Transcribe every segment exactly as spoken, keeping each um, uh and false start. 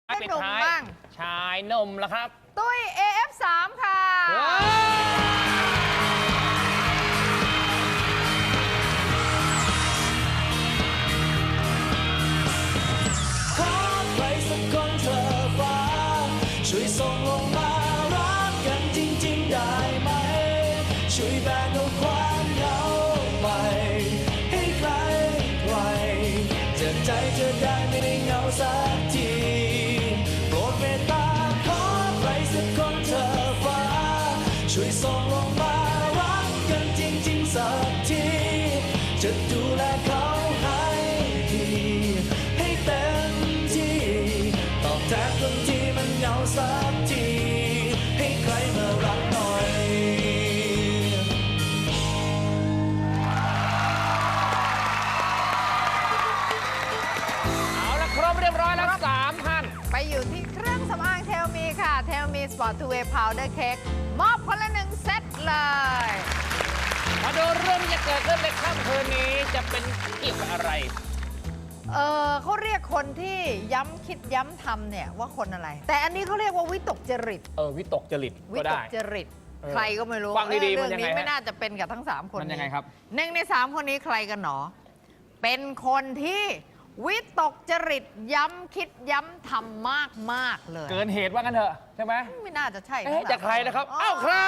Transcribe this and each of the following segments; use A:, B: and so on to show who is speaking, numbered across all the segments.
A: ให้หนุ่มบ้าง
B: ชายหนุ่มละครับ
A: ตุ้ย เอ เอฟ สาม ค่ะ
C: ขอใครสักคนเธอฟ้าช่วยส่งลงมารักกันจริงๆได้ไหมช่วยแบ่งเอาความเหงาไปให้ใครใครจะใจเธอได้ไม่ได้เหงาสักทีโปรดเมตตาขอใครสักคนเธอฟ้าช่วยส่งลงมารักกันจริงๆสักทีจะดูแลเขาให้ดีให้เต็มที่ตอบแทนคนที่มันเหงาสักทีให้ใครมารักหน่อย
B: เอาละครบเรียบร้อยแล้วสามท่าน
A: ไปอยู่ที่เครื่องสำอางเทลมีค่ะเทลมีสปอร์ตทูเวย์พาวเดอร์เค้กมอบคนละหนึ่งเซตเลย
B: มาดูเรื่องที่จะเกิดขึ้นในค่ำคืนนี้จะเป็นเกี่ยวกับอะไร
A: เออเขาเรียกคนที่ย้ำคิดย้ำทำเนี่ยว่าคนอะไร แต่อันนี้เขาเรียกว่าวิตกจริต
B: เออวิตกจริต
A: วิ
B: ก็
A: ต
B: ได้
A: กจริตใครก็ไม่รู้
B: ฟังดีๆ
A: เรื่
B: มันยังไง
A: นี้
B: ฮะ
A: ไม่น่าจะเป็นกับทั้งสามคน
B: มันยังไงครับ
A: หนึ่งในสามคนนี้ใครกันหนอเป็นคนที่วิตกจริตย้ำคิดย้ำทำมากมากๆเลย
B: เกินเหตุว่ากันเถอะใช่ไหม
A: ไม่น่าจะใช่
B: เอ๊ะจะใครนะครับเอ้าใคร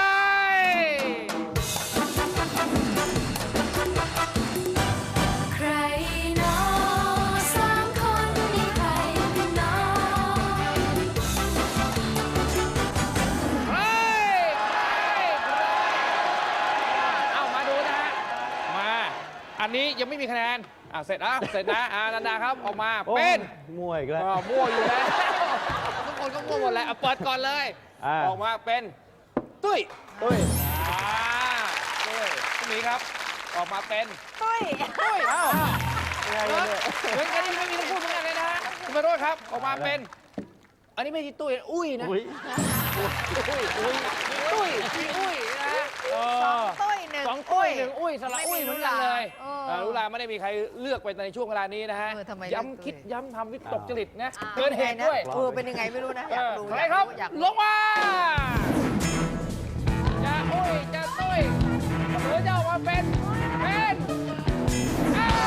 D: ใครเนาะสามคนนี้ใครกันเนาะ
B: ใครเอามาดูนะฮะมาอันนี้ยังไม่มีคะแนนอ่ะเสร็จแล้วเสร็จนะอ่านันดาครับออกมาเป็น
E: มั่วอีกแล้ว
B: อ่ามั่วอยู่แล้วทุกคนก็มั่วหมดแล้วอ่ะเปิดก่อนเลย
E: อ่า
B: ออกมาเป็นตุ้ย
E: ตุ้ย
B: อ่าตุ้ยตุ้ยครับออกมาเป็น
A: ตุ้ย
B: ตุ้ยอ้าว
E: ยังไงเนี่ย
B: เหมือนกันที่ไม่มีทั้งคู่เหมือนกันเลยนะฮะคุณมาโรจน์ครับออกมาเป็น อันนี้ไม่ใช่ตุ้ยอุ้ยนะ
E: อุ้ย
B: ตุ้ยอุ้ยตุ้ยมีอุ้ยนะฮะเอ
A: สอง
B: อ
A: ตุ้ยหนึ่ง
B: สองตุ้ยหนึ่งอุ้ยสระ
A: ไม่
B: อุ้ย
A: มี
B: เหมือนกันเลย
A: เออ
B: เออรู้ลาไม่ได้มีใครเลือกไปในช่วงเวลานี้นะฮะ
A: เออทำไม
B: ย้ำคิดย้ำทำวิตกจริตนะ
A: อ่า
B: เกินเหตุด้วย
A: เออเป็นยังไงไม่รู้นะอยากรู้
B: ใครครับ
A: อยาก
B: ลงมาจะอุ้ยจะตุ้ยหรือจะออกมาเป็นเป็นอ้าว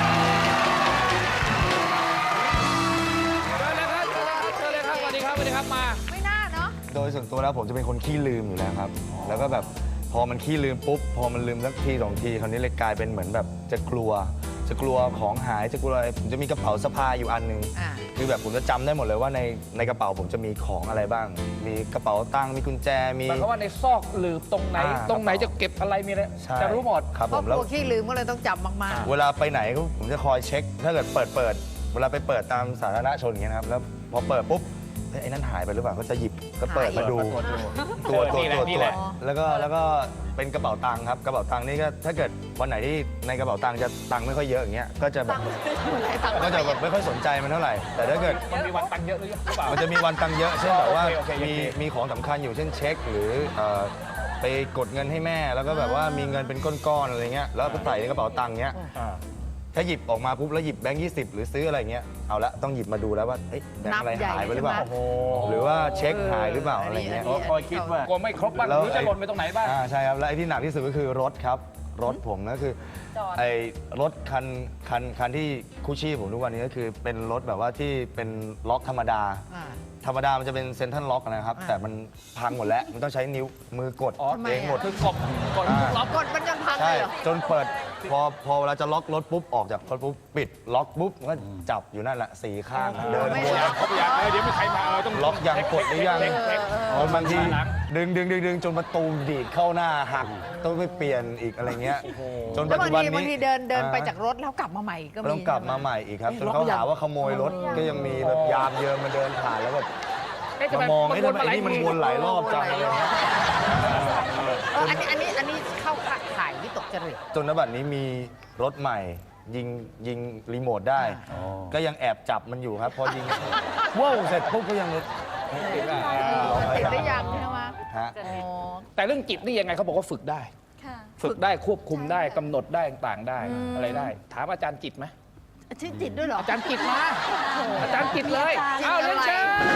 B: เชิญเลยครับเชิญเลยครับเชิญเลยครับสวัสดีครับสวัสดีครับมา
A: ไม่น่าเนาะ
E: โดยส่วนตัวแล้วผมจะเป็นคนขี้ลืมอยู่แล้วครับ แล้วก็แบบพอมันขี้ลืมปุ๊บ พอมันลืมสักทีสองทีคราวนี้เลยกลายเป็นเหมือนแบบจะกลัว จะกลัวของหาย จะกลัวอะไรผมจะมีกระเป๋าสะพายอยู่อันหนึง
A: อ่า
E: คือแบบผมจะจำได้หมดเลยว่าในในกระเป๋าผมจะมีของอะไรบ้าง มีกระเป๋าตังค์ มีกุญแจ มี
B: หมายความว่าในซอกหรือตรงไหน
E: อ่า
B: ตรงไหนจะเก็บอะไรมีอะไร
E: ใช่
B: จะรู้หมด
E: ครับ
A: เพ
E: ผ
A: ราะ
E: ม
A: ก
E: แล้ว
A: ลัวขี้ลืมก็เลยต้องจำมาก
E: เวลาไปไหนก็ผมจะคอยเช็ค ถ้าเกิดเปิดเปิด เวลาไปเปิดตามสาธารณชนอย่างเงี้ยนะครับ แล้วพอเปิดปุ๊บเฮ้ยไอ้นั่นหายไปหรือเปล่า ก็จะหยิบก็เปิดมาดู ตัวตัว
B: นี่แหละ
E: ตัว
B: นี่
E: ตั
B: แห
E: ว
B: ละ
E: แล้วก็แล้วก็เป็นกระเป๋าตังค์ครับกระเป๋าตังค์นี่ก็ถ้าเกิดวันไหนที่ในกระเป๋าตังค์จะตังค์ไม่ค่อยเยอะอย่างเงี้ยก็จะแบบ
A: ๆหลายตังค์
E: ก็จะแบบไม่ค่อยสนใจมันเท่าไหร่ แต่ถ้าเกิด
B: มันมีวันตังค์เยอะหรือเปล่า
E: มันจะมีวันตังค์เยอะเช่นแบบว่า
B: โอเคโอเค
E: มี
B: โอเค
E: มีของสำคัญอยู่เช่นเช็ค หรือเอ่อไปกดเงินให้แม่ แล้วก็แบบว่ามีเงินเป็นก้อนๆอะไรเงี้ยแล้วไปใส่ในกระเป๋าตังค์เงี้ย
B: อ่า
E: ถ้าหยิบออกมาปุ๊บแล้วหยิบแบงค์ยี่สิบหรือซื้ออะไรเงี้ยเอาละต้องหยิบมาดูแล้วว่าเอ๊ะแบงค์อะไรหายไปหรือเปล่า
B: โอ้โห
E: หรือว่าเช็คหายหรือเปล่าอะไรเงี้ย
B: คอยคิดว่ากลัวไม่ครบบ้างห
E: แล้ว
B: รือจะหล่นไปตรงไหนบ้าง
E: อ่าใช่ครับ และไอ้ที่หนักที่สุดก็คือรถครับ รถผมก็คือไอ้รถคันคันคันที่คู่ชีพผมทุกวันนี้ก็คือเป็นรถแบบว่าที่เป็นล็อกธรรมดา
A: อ่า
E: ธรรมดามันจะเป็นเซ็นทรัลล็อกนะครับ
A: อ่า
E: แต่มันพังหมดแล้ว มันต้องใช้นิ้วมือกด
B: อ๋อ
A: ทำไม
E: เองหมด
A: อ่ะ
B: คือกบกด
E: อ่า
B: ล็อก
A: กดมันจนพังเล
E: ใช่
A: ยเหรอ
E: จนเปิดพอพอเวลาจะล็อกรถปุ๊บ ออกจากรถปุ๊บ ปิดล็อกปุ๊บมันก็จับอยู่นั่นแหละสี่ข้างเดิน
A: ไม่
E: วน
A: ล็อก
B: เขาอยากเดี๋ยวมีใครมาเออต้อง
E: ล็อกยังกดหรือยัง
B: เช็คเช็ค
E: พอบางที
B: หลัง
E: ดึงดึงดึงดึงจนประตูดีดเข้าหน้าหักต้องไปเปลี่ยนอีกอะไรเงี้ยจน
A: แล้
E: ปั
A: ว
E: จ
A: บาง
E: จุบัน
A: ทีบางที
E: นี้
A: เดินเดินไป
E: อ่
A: จากรถแล้วกลับมาใหม่ก็มี
E: ต้องกลับมาใหม่อีกครับจนเขาหาว่าขโมยรถก็ยังมีแบบยามเยิมมาเดินผ่านแล้วแบบ
B: เอ๊ะทำ
E: มา
B: ไม
E: มอง
B: มัน
E: ไอ้
B: ว
E: ทำ
B: น
E: ไม
B: มาหลาย
E: ไอ้นี่มัน
B: ที
E: วนหลายรอบจังอะไรเงี้ย
A: เอออันนี้อันนี้อันนี้เข้าข่ายวิตกจริต
E: จนณบัดนี้มีรถใหม่ยิงยิงรีโมทได้ ก็ยังแอบจับมันอยู่ครับ พอยิงว้าวเสร็จปุ๊บก็ยัง
A: ติดได้ยังใช่ไหม
E: ฮะ
A: อ๋อ
B: แต่เรื่องจิตนี่ยังไงเขาบอกว่าฝึกได้
D: ค่ะ
B: ฝึกได้ควบคุมได้กำหนดได้ต่างๆได้อะไรได้ ถามอาจารย์จิตไหม
A: ชื่อจิตด้วยเหรอ
B: อาจารย์จิตมาอาจารย์จิตเลย
A: จิต
B: เอา
A: อะไร
B: เรียนเชิญ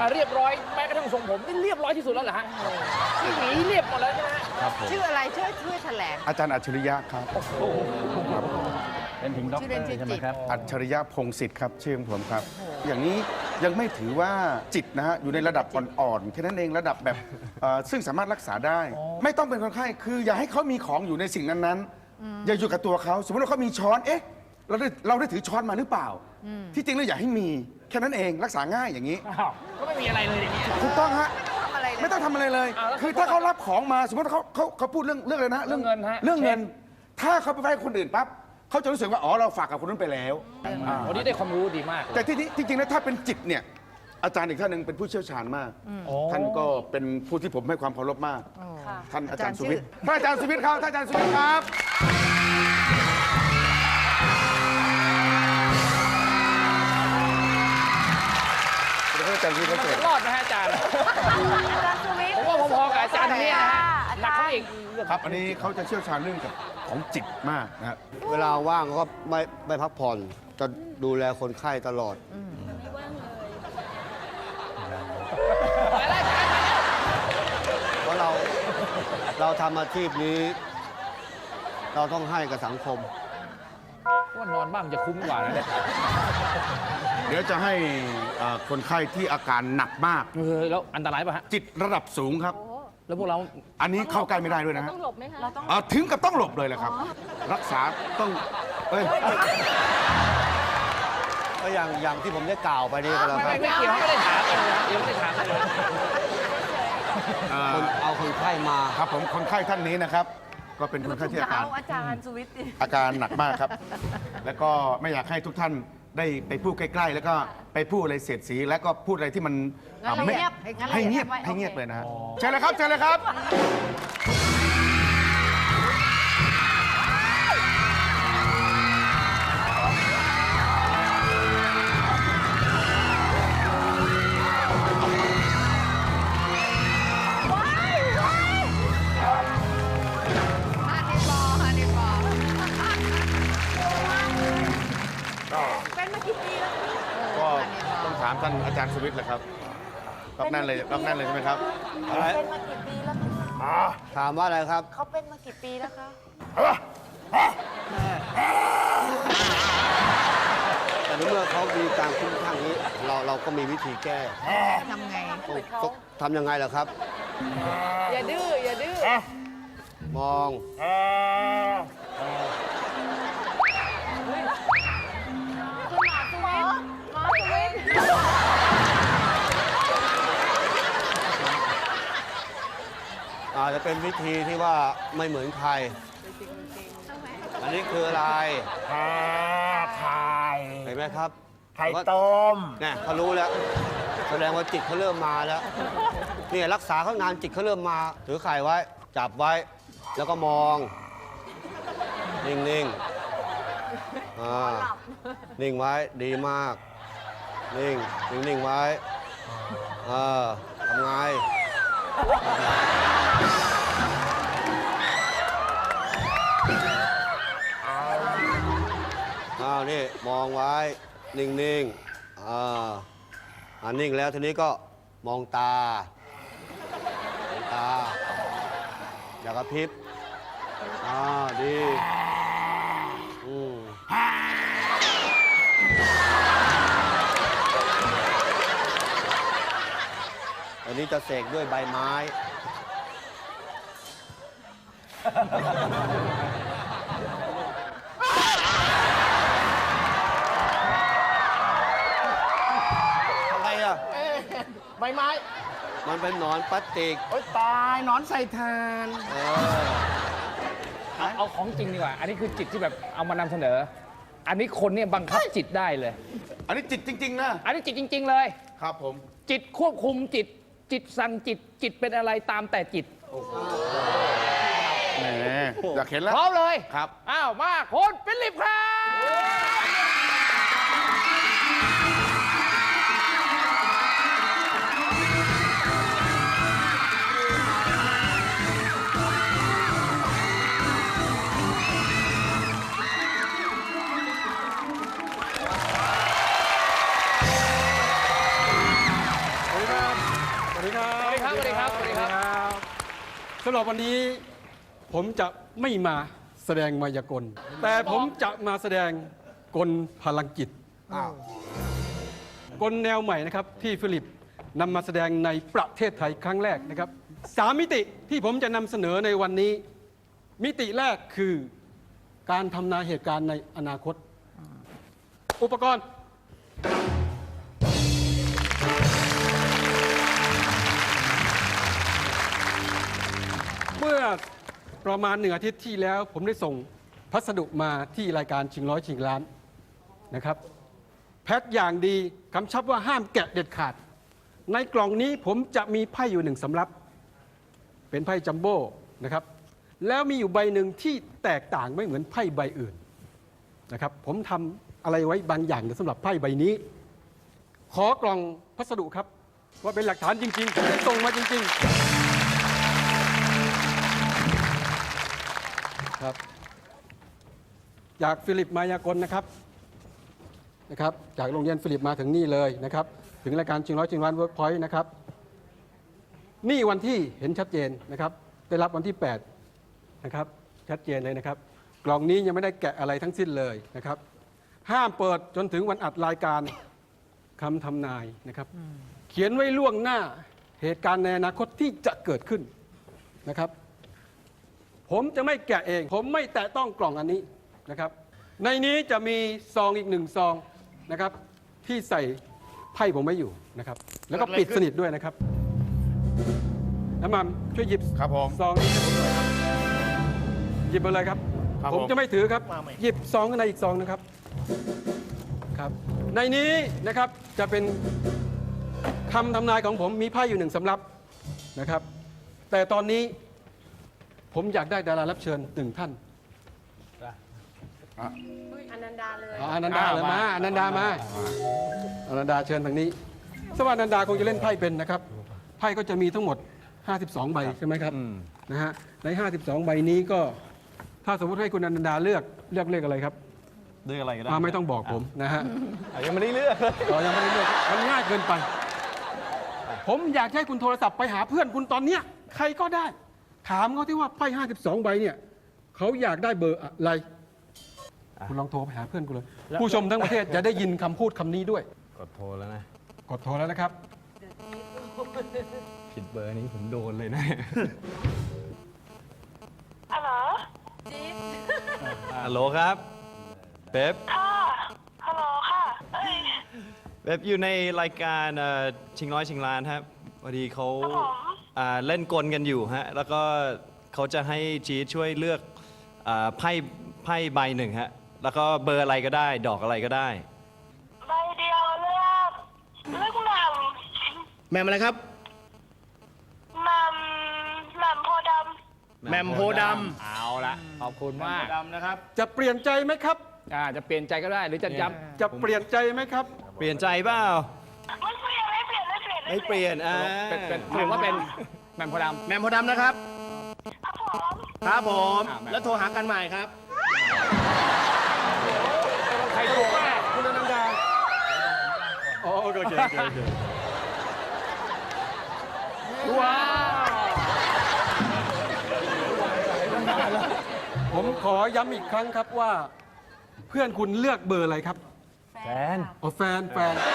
B: อ่ะเรียบร้อยแม้กระทั่งทรงผมนี่เรียบร้อยที่สุดแล้วเหรอฮะที่หนีเรียบหมดแล้วใช่ไหมฮะ
E: ครับผม
A: ชื่ออะไรช่วยช่วยแถลง
F: อาจารย์อัจฉริยะครับ
G: เป็นถึงด็อก
A: ชื่อ
G: เต
A: เล่
G: อน
A: ชื่อ
G: ร์ใช่ไหม
A: จิต
G: ครับ
F: อัจฉริยะพงศิษฐ์ครับชื่อของผมครับ อย่างนี้ยังไม่ถือว่าจิตนะฮะอยู่ในระดับอ่อนๆแค่นั้นเองระดับแบบเอ่อซึ่งสามารถรักษาได้ ไม่ต้องเป็นคนไข้คืออย่าให้เขามีของอยู่ในสิ่งนั้นๆอย่าอยู่กับตัวเขาสมมติว่าเขามีช้อนเอ๊ะเราได้เราได้ถือช้อนมาหรือเปล่า ที่จริงแล้วอย่าให้มีแค่นั้นเองรักษาง่ายอย่างนี้
B: อ้าวก็ไม่มีอะไรเลยอย่างเงี้ย
F: ถูกต้องฮะ
A: ทำอะไรเลย
F: ไม่ต้องทำอะไรเลย
B: อ้าวแล้ว
F: คือถ้าเขารับของมาสมมติเขาเขาเขาพูดเรื่องเรื่องอะไรนะ
B: เรื่องเงินฮะ
F: เรื่องเงิน
B: เช็ค
F: ถ้าเขาไปให้คนอื่นปั๊บเขาจะรู้สึกว่าอ๋อเราฝากกับคนนั้นไปแล้วอ่า
B: วันนี้ได้ความรู้ดีมาก
F: แต่ที่ที่จริงๆแล้วถ้าเป็นจิตเนี่ยอาจารย์อีกท่านหนึ่งเป็นผู้เชี่ยวชาญมาก ท่านก็เป็นผู้ที่ผมให้ความเคารพมาก ท่านอาจารย์สุวิทย์ท่านอาจารย์สุวิทย์ครับท่านอาจารย์สุวิทย์ครับเดี๋ยวให้อาจารย์สุวิทย์เขาเสร็จ
B: รอดไหมฮะอาจารย์ผมว่าพอๆกับอาจารย์ท่านนี้นะฮะหนักเขาอีก
F: ครับ อันนี้เขาจะเชี่ยวชาญเรื่องกับของจิตมากนะครับ
H: เวลาว่างก็ไม่ไม่พักผ่อน จะดูแลคนไข้ตลอด เพราะเราเราทำอาชีพนี้ เราต้องให้กับสังคม
B: ว่านอนบ้างจะคุ้มกว่านะเนี่ย
F: เดี๋ยวจะให้เอ่อคนไข้ที่อาการหนักมาก
B: เออแล้วอันตรายป่ะฮะ
F: จิตระดับสูงครับ
B: แล้วพวกเรา
F: อันนี้เข้าใกล้ไม่ได้ด้วยนะฮะ
D: ต้องหลบไหมคะ
F: เอ่อถึงกับต้องหลบเลยแหละครับ รักษาต้องเอ้ย
H: ก็อย่างอย่างที่ผมได้กล่าวไปนี่ก็แล้ว
B: ไม่
H: ครั
B: ไม่
H: บ
B: ไม่เกี่ยวไม่ได้ถามกันเลยนะยังไม่ได้ถามกันเลย
F: เอ่อ
H: คนเอาคนไข้มา
F: ครับผมคนไข้ท่านนี้นะครับ ก็เป็นคนไข้ที่อาการ
D: อาจารย์สุวิทย์
F: อาการหนักมากครับ แล้วก็ไม่อยากให้ทุกท่านได้ไปพูดใกล้ๆ แล้วก็ไปพูดอะไรเสียดสี แล้วก็พูดอะไรที่มัน
A: งั้นเรา
F: ไม่
A: เงียบ
F: ให้เงียบ
A: งั้นเรา
F: ให้เงียบ
A: โอเค
F: เลยนะฮะเชิญเลยครับเชิญเลยครับ
A: ฮันนี่บอลฮันนี่บอล
D: เป็นมากี่ปีแล้ว
F: ก็ต้องถามท่านอาจารย์สุวิทย์แหละครับล็อกนั่นเลยล็อกนั่นเลยใช่ไหมครับ
D: เป็นมากี่ปีแล้วคะ
H: ถามว่าอะไรครับ
D: เขาเป็นมากี่ปีแล้วคะ
H: แต่ในเมื่อเขามีการคุ้มข้างนี้ เราเราก็มีวิธีแก้
A: ทำไง
H: ต้องต้องทำยังไงล่ะครับ
A: อย่าดื้อ อย่าดื้อ
H: มองอาจจะเป็นวิธีที่ว่าไม่เหมือนใคร อันนี้คืออะไรไข่เห็นไหมครับ ไข่ต้มเนี่ยเขารู้แล้ว แสดงว่าจิตเขาเริ่มมาแล้ว เนี่ยรักษาเขานานจิตเขาเริ่มมา ถือไข่ไว้ จับไว้ แล้วก็มอง นิ่งๆอ่านิ่งไว้ ดีมาก นิ่ง นิ่งๆไว้เออทำไง อ้าว นี่ มองไว้ นิ่งๆอ่าอ่านิ่งแล้วทีนี้ก็มองตามองตา อย่ากระพริบอ่าดีอืมอันนี้จะเสกด้วยใบไม้ อะไรอ่ะ
G: ใบไม้
H: มันเป็นหนอนพลาสติก
G: โอ๊ยตายหนอนใส่ทาน
H: เออ
B: เอาเอาของจริงดีกว่า อันนี้คือจิตที่แบบเอามานำเสนอ อันนี้คนเนี่ยบังคับจิตได้เลย
F: อันนี้จิตจริง ๆ นะ
B: อันนี้จิตจริง ๆ เลย
F: ครับผม
B: จิตควบคุมจิต จิตสั่งจิต จิตเป็นอะไรตามแต่จิต
F: แหมอยากเห็นแล้ว
B: พร้อมเลย
F: ครับ
B: อ้าว มาคนฟิลิปครับดีครับสวัสดีครับสวัสดีครับ
I: สำหรับวันนี้ผมจะไม่มาแสดงมายากล แต่ผมจะมาแสดงกลพลังจิตกลแนวใหม่นะครับที่ฟิลิปนำมาแสดงในประเทศไทยครั้งแรกนะครับสามมิติที่ผมจะนำเสนอในวันนี้ มิติแรกคือการทำนายเหตุการณ์ในอนาคต อุปกรณ์ เมื่อประมาณหนึ่งอาทิตย์ที่แล้ว ผมได้ส่งพัสดุมาที่รายการชิงร้อยชิงล้านนะครับ แพ็คอย่างดีคำชับว่าห้ามแกะเด็ดขาด ในกล่องนี้ผมจะมีไพ่อยู่หนึ่งสำรับ เป็นไพ่จัมโบ้นะครับ แล้วมีอยู่ใบหนึ่งที่แตกต่างไม่เหมือนไพ่ใบอื่นนะครับ ผมทำอะไรไว้บางอย่างสำหรับไพ่ใบนี้ ขอกล่องพัสดุครับ ว่าเป็นหลักฐานจริงๆผมได้ส่งมาจริงๆครับจากฟิลิปมายากลนะครับนะครับ จากโรงเรียนฟิลิปมาถึงนี่เลยนะครับ ถึงรายการชิงร้อยชิงล้านเวิร์กพอยต์นะครับ นี่วันที่เห็นชัดเจนนะครับ ได้รับวันที่แปดนะครับชัดเจนเลยนะครับ กล่องนี้ยังไม่ได้แกะอะไรทั้งสิ้นเลยนะครับ ห้ามเปิดจนถึงวันอัดรายการคำทำนายนะครับ เขียนไว้ล่วงหน้าเหตุการณ์ในอนาคตที่จะเกิดขึ้นนะครับ ผมจะไม่แกะเอง ผมไม่แตะต้องกล่องอันนี้นะครับ ในนี้จะมีซองอีกหนึ่งซองนะครับ ที่ใส่ไพ่ผมไว้อยู่นะครับ แล้วก็ปิดสนิทด้วยนะครับน้ำมันช่วยหยิบ
F: ครับผม
I: ซองนี้ให้ผมหน่อยครับหยิบมาเลยครับ
F: ครับ
I: ผม
F: ผม
I: จะไม่ถือครับ หยิบซองข้างในอีกซองนะครับครับ ในนี้นะครับจะเป็นคำทำนายของผมมีไพ่อยู่หนึ่งสำรับนะครับ แต่ตอนนี้ผมอยากได้ดารารับเชิญหนึ่งท่าน
A: อนันดาเลย
I: อ๋ออนันดาเลยมาอนันดามาอนันดาเชิญทางนี้สวัสดิ์อนันดาคงจะเล่นไพ่เป็นนะครับไพ่ก็จะมีทั้งหมดห้าสิบสองใบใช่ไหมครับนะฮะในห้าสิบสองใบนี้ก็ถ้าสมมติให้คุณอนันดาเลือกเลือกเลขอะไรครับ
J: เลือกอะไรก็ได้
I: อ่าไม่ต้องบอกผมนะฮะ
J: อ่ะยังไม่ได้เลือกเลย
I: อ๋อยังไม่ได้เลือกมันง่ายเกินไป ผมอยากให้คุณโทรศัพท์ไปหาเพื่อนคุณตอนเนี้ยใครก็ได้ ถามเขาที่ว่าไพ่ห้าสิบสองใบเนี่ยเขาอยากได้เบอร์อะไร คุณลองโทรไปหาเพื่อนคุณเลย ผู้ชมทั้งประเทศจะได้ยินคำพูดคำนี้ด้วย
J: กดโทรแล้วนะ
I: กดโทรแล้วนะครับ
J: ผิดเบอร์นี้ผมโดนเลยนะ
D: ฮัลโหล
J: ฮัลโหลครับเป๊ป
D: ค่ะ ฮัลโหลค่ะ เอ้ย
J: เป๊ปอยู่ในรายการเอ่อชิงร้อยชิงล้านครับพอดีเขา
D: ครับผม
J: อ่าเล่นกลกันอยู่ฮะ แล้วก็เขาจะให้จีดช่วยเลือกอ่าไพ่ไพ่ใบหนึ่งฮะ แล้วก็เบอร์อะไรก็ได้ ดอกอะไรก็ได้
D: ใบเดียวเลือกเลือกแหม่ม
G: แหม่มอะไรครับ
D: แหม่มแหม่มโพธิ์ด
G: แหม่มโพธิ์ด
B: เอาละขอบคุณมาก
G: ำดำนะครับ
I: จะเปลี่ยนใจไหมครับ
B: อ่าจะเปลี่ยนใจก็ได้หรือจะย้
I: จะเปลี่ยนใจไหมครับ
J: เปลี่ยนใจเปล่า
D: ำไม่เปลี่ยนไม่เปลี่ยนไม่เปลี่ยน
J: ไม่เปลี่ยนอ่า
B: ำเป็นเป็นถือว่าเป็นแหม่มโพธิ์ด
G: แหม่มโพธิ์ดำนะครับ
D: ครับผม
G: ครับผม
B: อ่าแหม่ม
G: แล้วโทรหากันใหม่ครับ
B: ำใครถูกว่า
I: คุณอนันดาอ๋อโอเคโอเคโอเคโอเค
B: ว้าว
I: ผมขอย้ำอีกครั้งครับว่า เพื่อนคุณเลือกเบอร์อะไรครับ
J: แฟน
I: อ๋อแฟนแฟน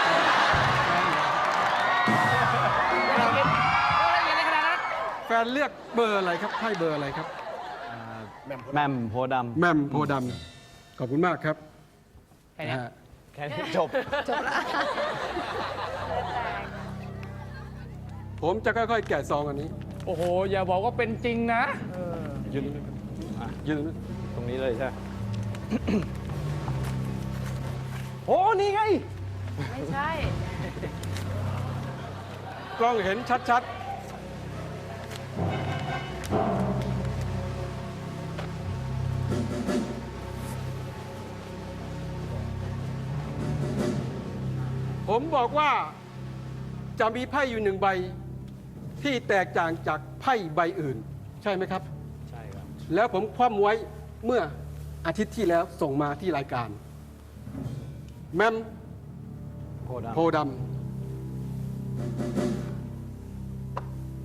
I: แฟนเลือกเบอร์อะไรครับไพ่เบอร์อะไรครับ
J: แหม่มโพธิ์ด
I: แหม่มโพธิ์ดำขอบคุณมากครับ
B: แค่เนี้ย
I: นะฮะ
J: ำแค่นี้จบ
I: ผมจะค่อยๆ แกะซองอันนี้
B: โอ้โห อย่าบอกว่าเป็นจริงนะ
I: ยืนตรงนี้อ่ะยืนตรงนี้
J: ตรงนี้เลยใช่ไหม โอ้ นี่ไง
A: ไม่ใช่
I: กล้องเห็นชัดๆ ผมบอกว่าจะมีไพ่อยู่หนึ่งใบที่แตกต่างจากไพ่ใบอื่น ใช่ไหมครับ
J: ใช่ครับ
I: แล้วผมคว่ำไว้เมื่ออาทิตย์ที่แล้วส่งมาที่รายการ แมม
J: โพธิ์ดำ
I: โพธิ์ด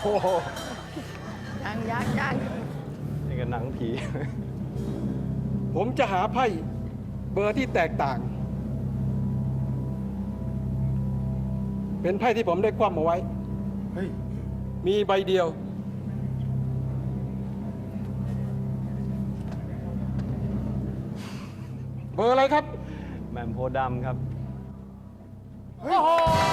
E: โห
A: ยังยังยัง
J: นี่ก็หนังผี
I: ผมจะหาไพ่เบอร์ที่แตกต่าง เป็นไพ่ที่ผมได้คว่ำเอาไว้
F: เฮ้ย
I: มีใบเดียว เบอร์อะไรครับ
J: แหม่มโพธิ์ดำครับ
A: โอ้โห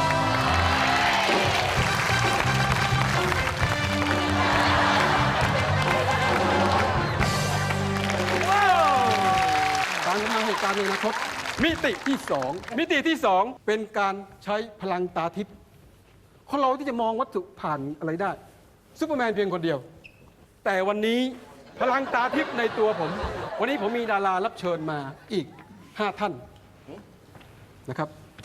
I: การทำเหตุการณ์ในอนาคตมิติที่สองมิติที่สองเป็นการใช้พลังตาทิพย์คนเราที่จะมองวัตถุผ่านอะไรได้ซูเปอร์แมนเพียงคนเดียว แต่วันนี้พลังตาทิพย์ในตัวผม วันนี้ผมมีดารารับเชิญมาอีกห้าท่านนะครับ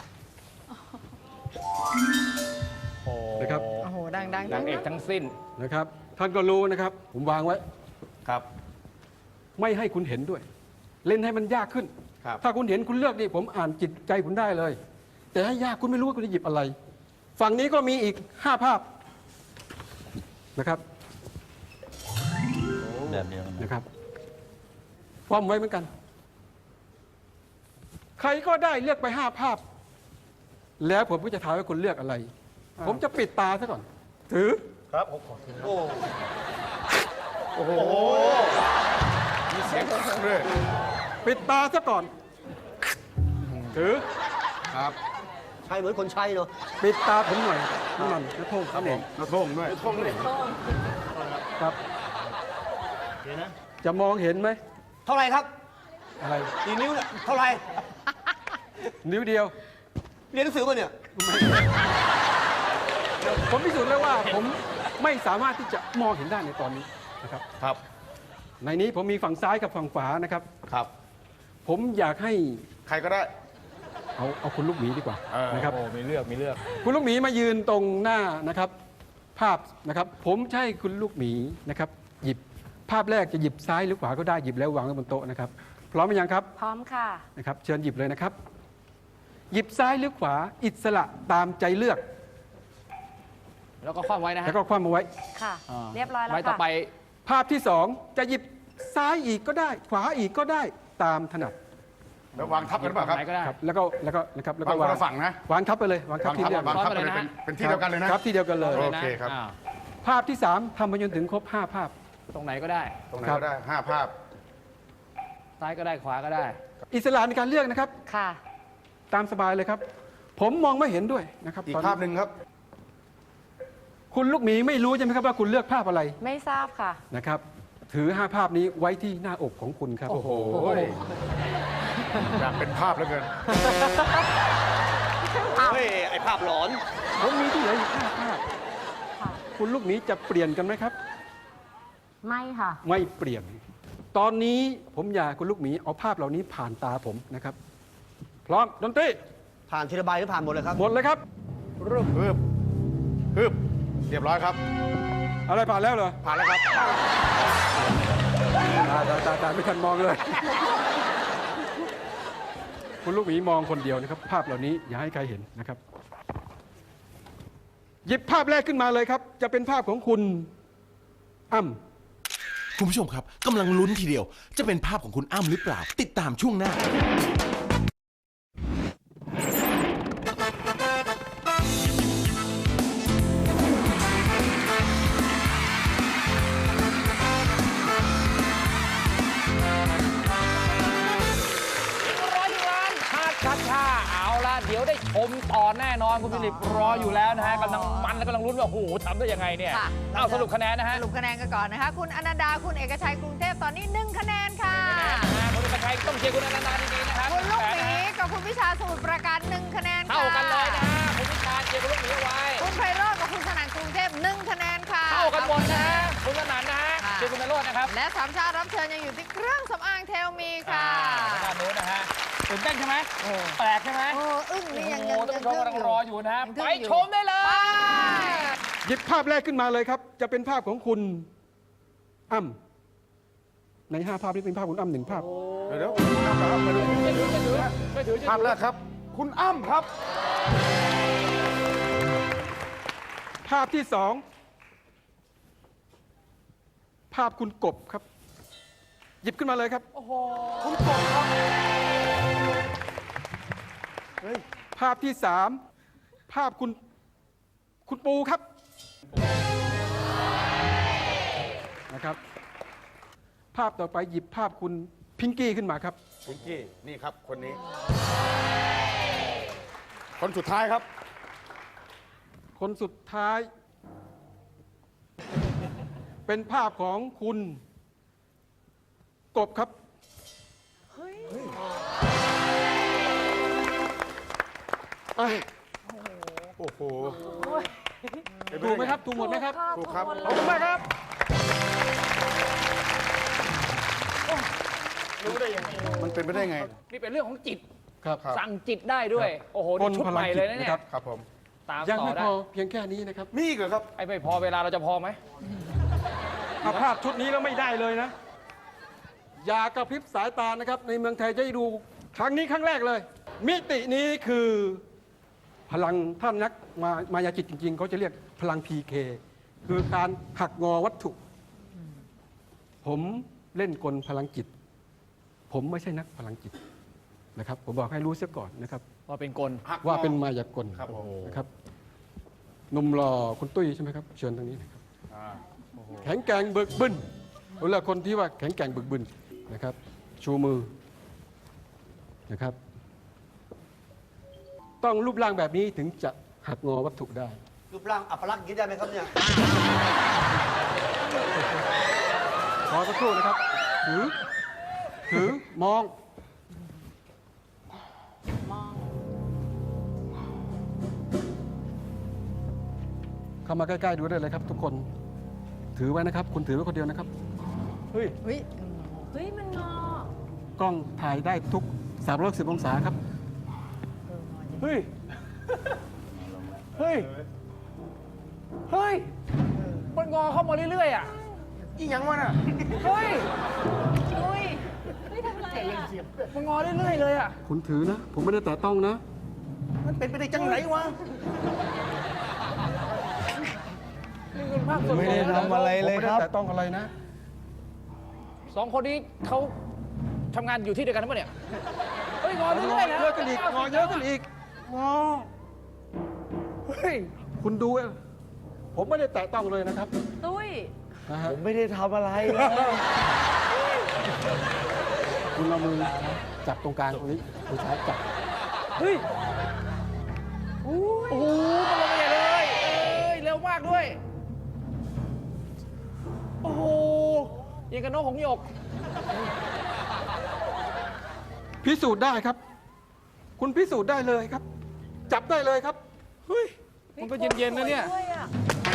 I: นะครับ
A: โอ้โห ดังดัง
B: นางเอกทั้งสิ้น
I: นะครับ ท่านก็รู้นะครับ ผมวางไว้
H: ครับ
I: ไม่ให้คุณเห็นด้วย เล่นให้มันยากขึ้น
H: ครับ
I: ถ้าคุณเห็นคุณเลือกนี่ผมอ่านจิตใจคุณได้เลย แต่ให้ยากคุณไม่รู้ว่าคุณจะหยิบอะไร ฝั่งนี้ก็มีอีกห้าภาพนะครับ
J: แบบเดียว
I: นะครับพร้อมไว้เหมือนกัน ใครก็ได้เลือกไปห้าภาพ แล้วผมก็จะถามว่าคุณเลือกอะไร ผมจะปิดตาซะก่อน ถือ
H: ครับผมขอถือโอ้
F: โอ้โห มีเสียงด้วย
I: ปิดตาซะก่อน ถือ
F: ครับ
H: ใช่เหมือนคนใช้เนาะ
I: ปิดตาผมหน่อยนั่นนั่นนะโทษครับผม
F: กระทงด้วยกระทงด้วย
I: ครับ
H: เดี๋ยวนะ
I: จะมองเห็นไหม
H: เท่าไหร่ครับ
I: อะไร
H: กี่นิ้วเนี่ยเท่าไหร่
I: นิ้วเดียว
H: เรียนหนังสือมาเนี่ย
I: ผมพิสูจน์แล้วว่าผมไม่สามารถที่จะมองเห็นได้ในตอนนี้นะครับ
F: ครับ
I: ในนี้ผมมีฝั่งซ้ายกับฝั่งขวานะครับ
F: ครับ
I: ผมอยากให้
F: ใครก็ได้
I: เอาเอาคุณลูกหมีดีกว่า
F: เออ
I: นะครับ
B: โอ้ มีเลือก มีเลือก
I: คุณลูกหมีมายืนตรงหน้านะครับ ภาพนะครับ ผมจะใช่คุณลูกหมีนะครับ หยิบภาพแรกจะหยิบซ้ายหรือขวาก็ได้หยิบแล้ววางไว้บนโต๊ะนะครับ พร้อมหรือยังครับ
D: พร้อมค่ะ
I: นะครับ เชิญหยิบเลยนะครับ หยิบซ้ายหรือขวาอิสระตามใจเลือก
B: แล้วก็คว่ำไว้นะฮะ
I: แล้วก็คว่ำเอาไว้
D: ค่ะ
B: อ่า
D: เรียบร้อยแล้ว
B: ไว้ต่อ
D: ค่ะ
B: ไป
I: ภาพที่สองจะหยิบซ้ายอีกก็ได้ ขวาอีกก็ได้ตามถนัด
F: แล้ววางทับกันหรือเปล่าครับ
B: ไหนก็ได้
I: ครับแล้วก็แล้วก็นะครับแล้ว
F: วา
I: ก็
F: งคนละฝั่งนะ
I: วางทับไปเลยวางทับ
F: วาง
I: ที่
F: ทับ
I: เดียว
F: วางทับไปเลย
B: ซ้อนไปเลย
F: เป็น
B: นะ
F: เป็นที่เดียวกันเลยนะ
I: ครับที่เดียวกันเลย
F: โอเคครับ
B: อ่า
I: ภาพที่สามทำไปจนถึงครบห้าภาพ
B: ตรงไหนก็ได้
F: ตรงไหน
I: ครับ
F: ก็ได้ห้าภาพ
B: ซ้ายก็ได้ ขวาก็ได้
I: อิสระในการเลือกนะครับ
D: ค่ะ
I: ตามสบายเลยครับ ผมมองไม่เห็นด้วยนะครับ
F: อีก
I: ตน
F: ภาพหนึ่งครับ
I: คุณลูกหมีไม่รู้ใช่ไหมครับว่าคุณเลือกภาพอะไร
D: ไม่ทราบค่ะ
I: นะครับ ถือห้าภาพนี้ไว้ที่หน้าอกของคุณครับ
F: โอ้โหอยากเป็นภาพแล้วเกิน
H: เฮ้ย ไอภาพหลอน
I: ผมมีที่เหลืออีกห้าภาพ
D: ค่ะ
I: คุณลูกหมีจะเปลี่ยนกันไหมครับ
D: ไม่ค่ะ
I: ไม่เปลี่ยน ตอนนี้ผมอยากคุณลูกหมีเอาภาพเหล่านี้ผ่านตาผมนะครับ พร้อมดนตรี
H: ผ่านทีละใบหรือผ่านหมดเลยครับ
I: หมดเลยครับ
F: ฮึบฮึบฮึบเรียบร้อยครับ
I: อะไรผ่านแล้วเหรอ
F: ผ่านแล้วครับ
I: ตาตาตาตาไม่ทันมองเลย คุณลูกหมีมองคนเดียวนะครับ ภาพเหล่านี้อย่าให้ใครเห็นนะครับ หยิบภาพแรกขึ้นมาเลยครับ จะเป็นภาพของคุณอ้ำ
K: คุณผู้ชมครับกำลังลุ้นทีเดียว จะเป็นภาพของคุณอ้ำหรือเปล่า ติดตามช่วงหน้า
B: ร้อยล้านชาติชัดชาเอาละเดี๋ยวได้ชมต่อแน่นอนคุณฟิลิปรออยู่แล้วนะฮะกำลังมันและกำลังลุ้นว่าโอ้โหทำได้ยังไงเนี่ย
A: ค่ะ
B: เอาสรุปคะแนนนะฮะ
A: สรุปคะแนนกันก่อนนะคะ คุณอนันดา คุณเอกชัย กรุงเทพ ตอนนี้หนึ่งคะแนนค่ะ
B: นะฮะคุณสุภชัยต้องเชียร์คุณอนันดาดีๆนะครับ
A: คุณลูกห
B: นะ
A: มี
B: ฮะ
A: กับคุณวิชาสมุทรปราการหนึ่งคะแนนค่ะ
B: เท่ากันเลยนะฮะคุณวิชาญเชียร์คุณลูกหมีเอาไว้
A: คุณไพโรจน์กับคุณสนั่นกรุงเทพหนึ่งคะแนนค่ะ
B: เท่ากันหมดนะฮะคุณสนั่นนะฮะ
A: ค่ะ
B: เชียร์คุณนรโรจน์นะครับ
A: และสามชาติรับเชิญยังอยู่ที่เครื่องสำอางเทลมีค่ะ
B: อ่าด้านนู้นนะฮะตื่นเต้นใช่ไหม
A: โอ้
B: แปลกใช่ไหม
A: โอ้อึ้ง
B: โอ้
A: นี่
B: โห
A: ยังยัง
B: ท่าน
A: ยัง
B: ผู้ชมกำลังรออยู่นะฮะ
A: ยังทึ่
B: ไป
A: งอยู่
B: ชมได้เลย
A: ไป
I: หยิบภาพแรกขึ้นมาเลยครับ จะเป็นภาพของคุณอ้ำในห้าภาพนี้เป็นภาพคุณอ้ำหนึ่งภาพ
F: เดี๋ยวเดี๋ยวอ้ำครับมาดู
B: ช่วยถือช่วยถือช่วยถือช่วยถือ
F: ภาพแรกครับ คุณอ้ำครับ
I: ภาพที่สองภาพคุณกบครับ หยิบขึ้นมาเลยครับ
A: โอ้โห
I: คุณกบครับภาพที่สามภาพคุณคุณปูครับนะครับ ภาพต่อไปหยิบภาพคุณพิงกี้ขึ้นมาครับ
F: พิงกี้นี่ครับคนนี้ คนสุดท้ายครับ
I: คนสุดท้าย เป็นภาพของคุณกบครับ เฮ้ย
F: โอ้โห
I: ถูกไหมครับ ถูกหมดไหมครับ
F: ถูกครับ
I: ขอบคุณมากครับ
F: มันเป็นไปได้ไง
B: นี่เป็นเรื่องของจิต
I: ครับ
B: สั่งจิตได้ด้วย โอ้โห นี่ชุดใหม่เลยนะเนี่ย
F: ครับผม
B: ตาม
I: ยัง
B: ต่อ
I: ไม่
B: ได้
I: พอเพียงแค่นี้นะครับ
F: มีอีกเหรอครับ
B: ไอ้ไม่พอเวลาเราจะพอไหม
I: ถ้าภาพชุดนี้แล้วไม่ได้เลยนะ อย่ากระพริบสายตานะครับ ในเมืองไทยจะได้ดูครั้งนี้ครั้งแรกเลย มิตินี้คือพลังท่านนักมามายาจิตจริงๆเขาจะเรียกพลัง พี เค คือการหักงอวัตถุ ผมเล่นกลพลังจิต ผมไม่ใช่นักพลังจิตนะครับ ผมบอกให้รู้เสียก่อนนะครับ
B: ว่าเป็นกล
I: ว่าเป็นมายากล
F: ครับผม
I: นะครับหนุ่มหล่อคุณตุ้ยใช่ไหมครับ เชิญตรงนี้นะครับ แข็งแกร่งเบิกบึนเวลาคนที่ว่าแข็งแกร่งเบิกบึนนะครับ ชูมือนะครับ ต้องรูปร่างแบบนี้ถึงจะหักงอวัตถุได้
H: รูปร่างอัปลักษณ์อย่างนี้ได้ไหมครับเนี่ย
I: ขอสักครู่นะครับ ถือ ถือ มอง เข้ามาใกล้ๆดูได้เลยครับ ทุกคน ถือไว้นะครับ คุณถือไว้คนเดียวนะครับ เฮ้ย
A: เฮ้ย
D: เฮ้ย มันงอ
I: กล้องถ่ายได้ทุกสามร้อยสิบองศาครับ
B: เฮ้ย เฮ้ย เฮ้ย มันงอเข้ามาเรื่อยๆอ่ะ
F: อีหยังวะน่ะ
B: เฮ้ย
D: อุ้ยเฮ้ยทำไรอ่ะ
B: มันงอเรื่อยๆเลยอ่ะ
I: คุณถือนะ ผมไม่ได้แตะต้องนะ
F: มันเป็นไปได้จังไหนวะ
B: นี่เป็นภาพสดๆ
E: ไม่ได้ทำอะไรเลยครับ
I: ผมไม่ได้แตะต้องอะไรนะ
B: สองคนนี้เขาทำงานอยู่ที่เดียวกันทั้งหมดเนี่ย เฮ้ย งอเรื่อยๆนะ
I: เยอะกันอีกงอเยอะกันอีกงอ
B: เฮ้ย
I: คุณดูอะผมไม่ได้แตะต้องเลยนะครับ
D: ตุ้ย
I: นะฮะ
E: ผมไม่ได้ทำอะไรเลย
I: คุณเอามือจับตรงกลางตรงนี้มือซ้ายจับ
B: เฮ้ย โอ้โหมันลงมาใหญ่เลย เอ้ย เร็วมากด้วย โอ้โหยิงกับนกหงส์หยก
I: พิสูจน์ได้ครับ คุณพิสูจน์ได้เลยครับ จับได้เลยครับ
B: เฮ้ย มันก็เย็นๆนะเนี่ย
D: ด้วยอ่ะ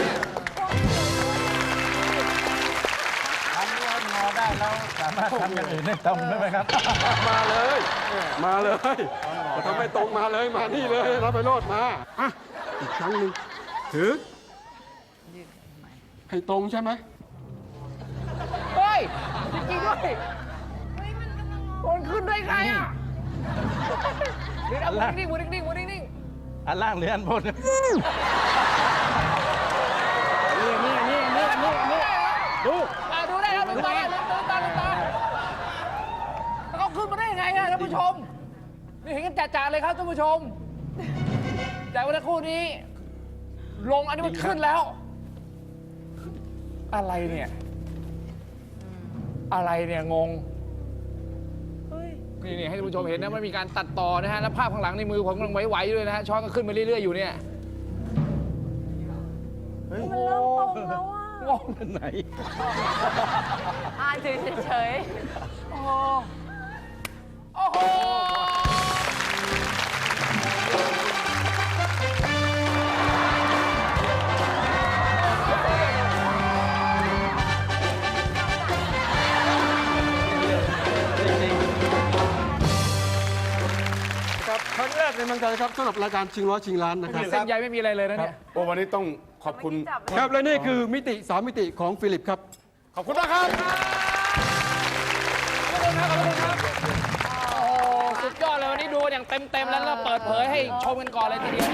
E: ทำแล้วงอได้แล้วสามารถทำอย่างอื่นได้ตรงได้ไหมครับ
I: มาเลย มาเลยทำไมตรงมาเลย มานี่เลยรับไปโลดมาอ่ะอีกครั้งหนึ่งถือ ให้ตรงใช่ไหม
B: เฮ้ย จริงๆด้วย มันขึ้นได้ไงอ่ะเดี๋ยวเอามือนิ่งๆมือนิ่งๆมือนิ่ง
E: อันล่างหรืออันบน
B: ๆนี่นี่นี่นี่นี่นี่ดูอ่ะดูได้แล้วลืมตาลืมตาลืมตาแล้วเขาขึ้นมาได้ยังไงอ่ะท่านผู้ชม นี่เห็นกันจ่าๆเลยครับท่านผู้ชม จากวันคู่นี้ ลงอันนี้มันขึ้นแล้ว อะไรเนี่ย อะไรเนี่ยงง นี่นี่ให้ท่านผู้ชมเห็นนะมันมีการตัดต่อนะฮะแล้วภาพข้างหลังในมือผมกำลังไหวๆอยู่เลยนะฮะช้อนก็ขึ้นมาเรื่อยๆอยู่เนี่ย
D: มันเริ่มตรงแล้วอ่ะ
B: งงเป็นไหน
D: อ่านเฉย
B: โอ้โหโอ้โห
I: ครับครั้งแรกในเมืองไทยครับสำหรับรายการชิงร้อยชิงล้านนะครับ
B: เส้นใยไม่มีอะไรเลยนะเนี่ย
F: โอ้วันนี้ต้องขอบคุณ
I: ครับและนี่คือมิติสามมิติของฟิลิปครับ
F: ขอบคุณมากครับ
B: ขอบคุณครับขอบคุณครับ โอ้โหสุดยอดเลยวันนี้ดูอย่างเต็มๆแล้วก็เปิดเผยให้ชมกันก่อนเลยทีเดียว